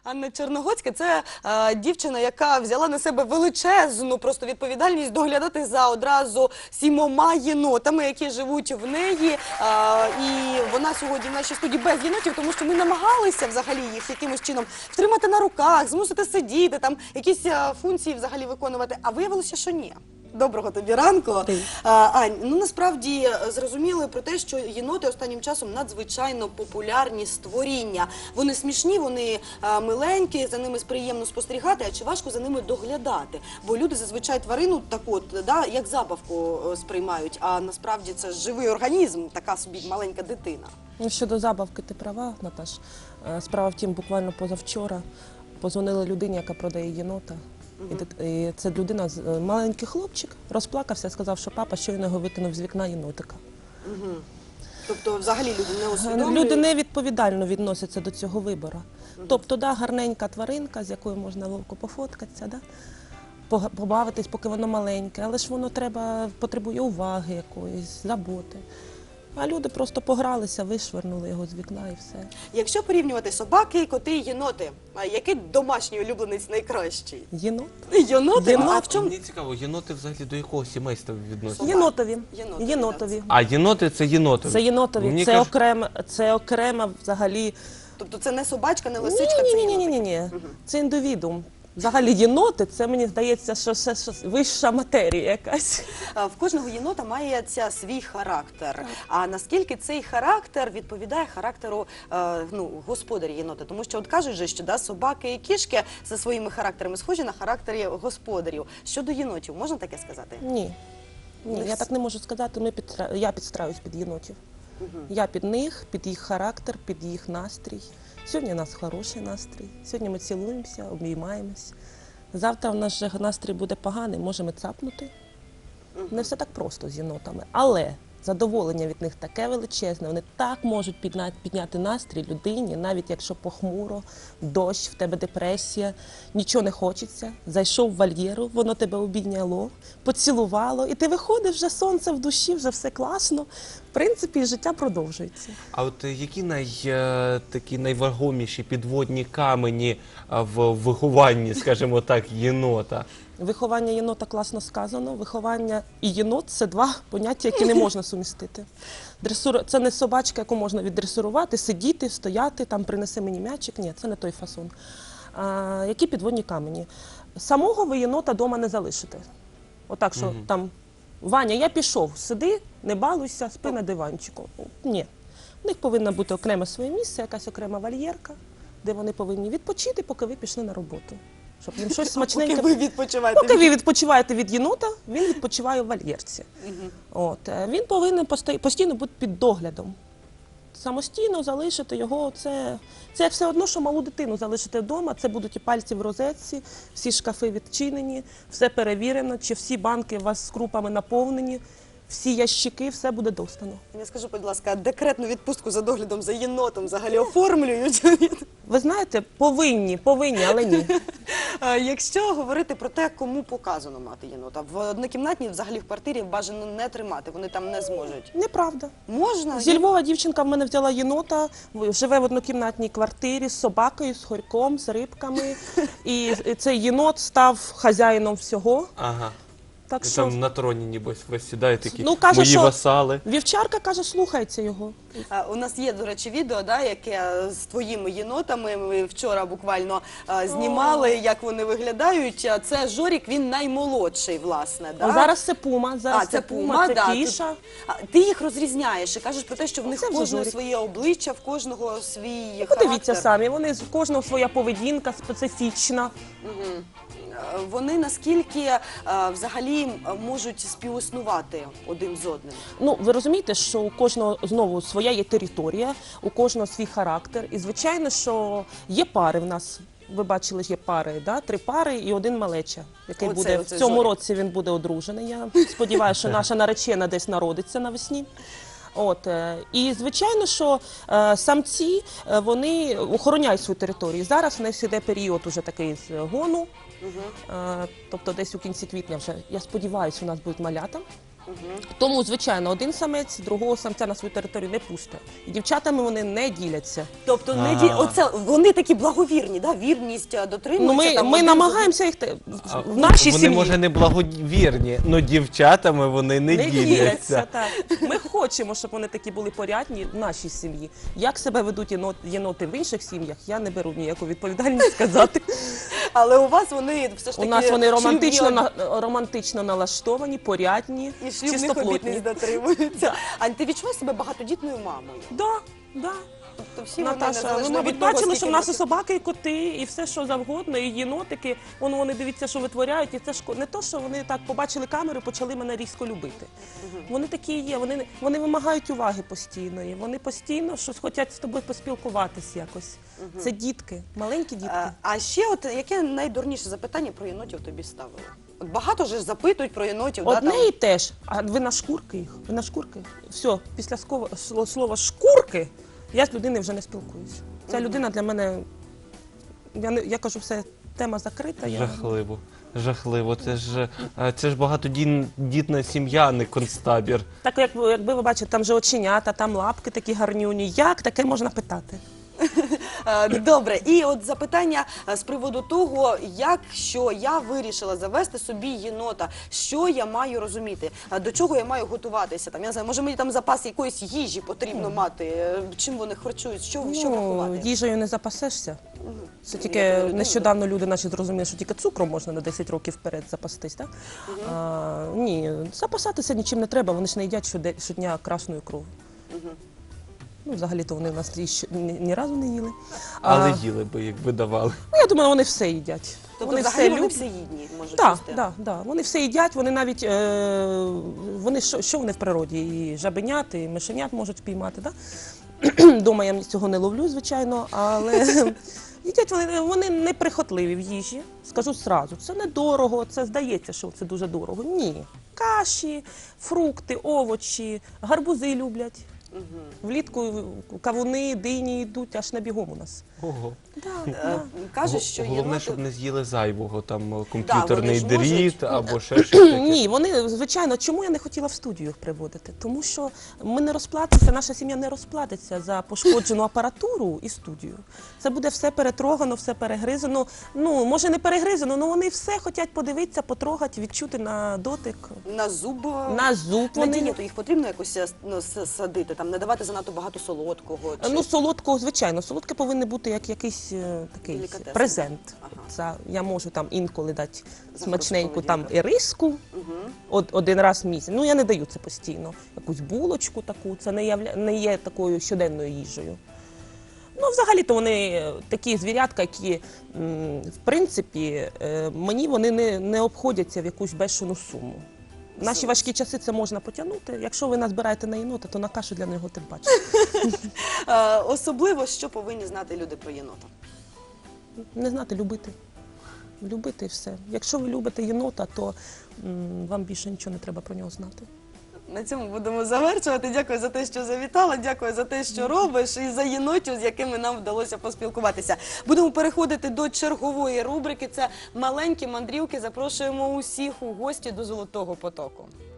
Анна Черногоцька – це дівчина, яка взяла на себе величезну просто відповідальність доглядати за одразу 7 єнотами, які живуть в неї. І вона сьогодні в нашій студії без єнотів, тому що ми намагалися взагалі їх якимось чином втримати на руках, змусити сидіти, там якісь функції взагалі виконувати, а виявилося, що ні. Доброго тобі ранку. Ань, ну насправді зрозуміли про те, що єноти останнім часом надзвичайно популярні створіння. Вони смішні, вони миленькі, за ними приємно спостерігати, а чи важко за ними доглядати? Бо люди зазвичай тварину так от, да, як забавку сприймають, а насправді це живий організм, така собі маленька дитина. Ну, щодо забавки, ти права, Наташ. Справа в тім, буквально позавчора позвонили людині, яка продає єнота. І це людина, маленький хлопчик, розплакався, сказав, що папа щойно його викинув з вікна єнотика. Тобто взагалі люди не усвідомлюють? Люди невідповідально відносяться до цього вибору. Тобто, да, гарненька тваринка, з якою можна ловко пофоткатися, да? Побавитись, поки воно маленьке, але ж воно потребує уваги якоїсь, заботи. А люди просто погралися, вишвернули його з вікна і все. Якщо порівнювати собаки, коти і єноти, який домашній улюбленець найкращий? Єнот? Єноти? А в чому? Мені цікаво, єноти взагалі до якого сімейства відносяться? Єнотові. Єнотові. А єноти – це єнотові? Це єнотові. Мені Це окрема взагалі... Тобто це не собачка, не лисичка, це єнотик? Ні. Це індивідуум. Взагалі єноти, це, мені здається, що це вища матерія якась. В кожного єнота має свій характер. А наскільки цей характер відповідає характеру господаря єнота? Тому що от кажуть же, що да, собаки і кішки за своїми характерами схожі на характері господарів. Щодо єнотів, можна таке сказати? Ні, я так не можу сказати, я підстраюсь під єнотів. Я під них, під їх характер, під їх настрій. Сьогодні у нас хороший настрій, сьогодні ми цілуємося, обіймаємось. Завтра в нас же настрій буде поганий, можемо цапнути. Не все так просто з єнотами, але задоволення від них таке величезне, вони так можуть підняти настрій людині, навіть якщо похмуро, дощ, в тебе депресія, нічого не хочеться, зайшов в вольєру, воно тебе обійняло, поцілувало, і ти виходиш, вже сонце в душі, вже все класно. В принципі, життя продовжується. А от які такі найвагоміші підводні камені в вихованні, скажімо так, єнота? Виховання єнота класно сказано. Виховання і єнот – це два поняття, які не можна сумістити. Це не собачка, яку можна віддресирувати, сидіти, стояти, там принеси мені м'ячик. Ні, це не той фасон. Які підводні камені? Самого ви єнота вдома не залишите. Отак, що там, Ваня, я пішов, сиди, не балуйся, спи на диванчику. Ні. У них повинно бути окреме своє місце, якась окрема вольєрка, де вони повинні відпочити, поки ви пішли на роботу. Щоб їм щось смачненьке. Поки ви відпочиваєте. Поки ви відпочиваєте від єнота, він відпочиває в вольєрці. Він повинен постійно бути під доглядом. Самостійно залишити його, це все одно, що малу дитину залишити вдома, це будуть і пальці в розетці, всі шкафи відчинені, все перевірено, чи всі банки у вас з крупами наповнені, всі ящики, все буде достано. Я скажу, будь ласка, декретну відпустку за доглядом за єнотом взагалі оформлюють? Ви знаєте, повинні, але ні. Якщо говорити про те, кому показано мати єнота, в однокімнатній взагалі в квартирі бажано не тримати, вони там не зможуть. Неправда. Можна? Зі Львова дівчинка в мене взяла єнота, живе в однокімнатній квартирі з собакою, з хорьком, з рибками. І цей єнот став хазяїном всього. Ага. Так І що... там на троні, нібось, ви сідаєте такі каже, мої що васали. Вівчарка каже, слухається його. У нас є, до речі, відео, да, яке з твоїми єнотами. Ми вчора буквально знімали, як вони виглядають. Це Жорік, він наймолодший, власне. Да? Зараз це Пума, це Пума, це Кіша. Ти їх розрізняєш і кажеш про те, що в них Це в кожного Жорік. своє обличчя, в кожного свій характер. Подивіться самі, в кожного своя поведінка специфічна. Вони наскільки взагалі можуть співіснувати один з одним? Ну, ви розумієте, що у кожного, знову, своя є територія, у кожного свій характер. І, звичайно, що є пари в нас. Ви бачили, є пари, да? 3 пари і 1 малеча, який буде в цьому році він буде одружений. Я сподіваюся, що наша наречена десь народиться навесні. І, звичайно, що самці, вони охороняють свою територію. Зараз у нас іде період уже такий з гону, тобто десь у кінці квітня вже, я сподіваюся, у нас будуть малята. Тому, звичайно, один самець другого самця на свою територію не пустить. І дівчатами вони не діляться. Тобто Ага. оце вони такі благовірні, да? Вірність Ну, дотримуються. там ми один намагаємося їх А в нашій вони, сім'ї. може, не благовірні, але дівчатами вони не діляться. Так. Ми хочемо, щоб вони такі були порядні в нашій сім'ї. Як себе ведуть єноти в інших сім'ях, я не беру ніяку відповідальність сказати. Але у вас вони все ж У таки нас вони шлюбні романтично налаштовані, порядні, і шлюбних обітниць чистоплотні. дотримуються. А ти відчуваєш себе багатодітною мамою? Да. Тобто всі вони Наташа, ви, незалежно мабуть, від того, бачили, що скільки в нас і років. собаки, і коти, і все, що завгодно, і єнотики. Вони дивіться, що витворяють, і це ж не то, що вони так побачили камеру і почали мене різко любити. Вони такі є, вони вимагають уваги постійної, вони постійно щось хочуть з тобою поспілкуватись якось. Це дітки, маленькі дітки. А ще от яке найдурніше запитання про єнотів тобі ставили? От багато ж запитують про єнотів, Одне і те ж, а ви на шкурки їх? Ви на шкурки? Все, після слова шкурки я з людиною вже не спілкуюся. Ця людина для мене, я кажу, все, тема закрита. Жахливо. Жахливо. Це ж багатодітна сім'я, а не концтабір. Так, якби ви бачите, там же оченята, там лапки такі гарнюні. Як таке можна питати? Добре, і от запитання з приводу того, якщо я вирішила завести собі єнота, що я маю розуміти, до чого я маю готуватися? Там, я не знаю, може мені там запас якоїсь їжі потрібно мати, чим вони харчують, що врахувати? Їжею не запасешся. Це Я тільки думаю, нещодавно люди наші зрозуміли, що тільки цукром можна на 10 років вперед запастись. Так? Ні, запасатися нічим не треба, вони ж не їдять щодня красної крові. Ну, взагалі-то вони в нас ні разу не їли. Але їли би, якби давали. Ну, я думаю, вони все їдять. Тобто взагалі вони все їдні можуть Так, їсти? да. Вони все їдять, вони навіть, вони що вони в природі? І жабенят, і мишенят можуть спіймати. Да? Дома я цього не ловлю, звичайно, але їдять вони неприхотливі в їжі. Скажу зразу, це недорого, це здається, що це дуже дорого. Ні. Каші, фрукти, овочі, гарбузи люблять. Влітку кавуни, дині йдуть аж на бігом у нас. Ого. Кажуть, що Головне, щоб не з'їли зайвого, там комп'ютерний вони ж можуть. дріт або ще щось таке. Ні, вони, звичайно, чому я не хотіла в студію їх приводити? Тому що ми не розплатимося, наша сім'я не розплатиться за пошкоджену апаратуру і студію. Це буде все перетрогано, все перегризано. Ну, може не перегризано, але вони все хочуть подивитися, потрогати, відчути на дотик. на зуб, На зуб на вони. дієту їх потрібно якось садити, там, не давати занадто багато солодкого? Чи... Ну, солодкого, звичайно, солодке повинно бути як якийсь такий Делікатес. презент. Ага. Це я можу там інколи дати За смачненьку гроші там іриску один раз в місяць. Ну, я не даю це постійно. Якусь булочку таку, це не є такою щоденною їжею. Ну, взагалі-то вони такі звірятка, які, в принципі, мені вони не обходяться в якусь бешену суму. В наші важкі часи це можна потягнути. Якщо ви назбираєте на єнота, то на кашу для нього тим паче. Особливо, що повинні знати люди про єнота? Не знати, любити. Любити і все. Якщо ви любите єнота, то вам більше нічого не треба про нього знати. На цьому будемо завершувати. Дякую за те, що завітала, дякую за те, що робиш, і за єнотів, з якими нам вдалося поспілкуватися. Будемо переходити до чергової рубрики. Це маленькі мандрівки. Запрошуємо усіх у гості до Золотого потоку.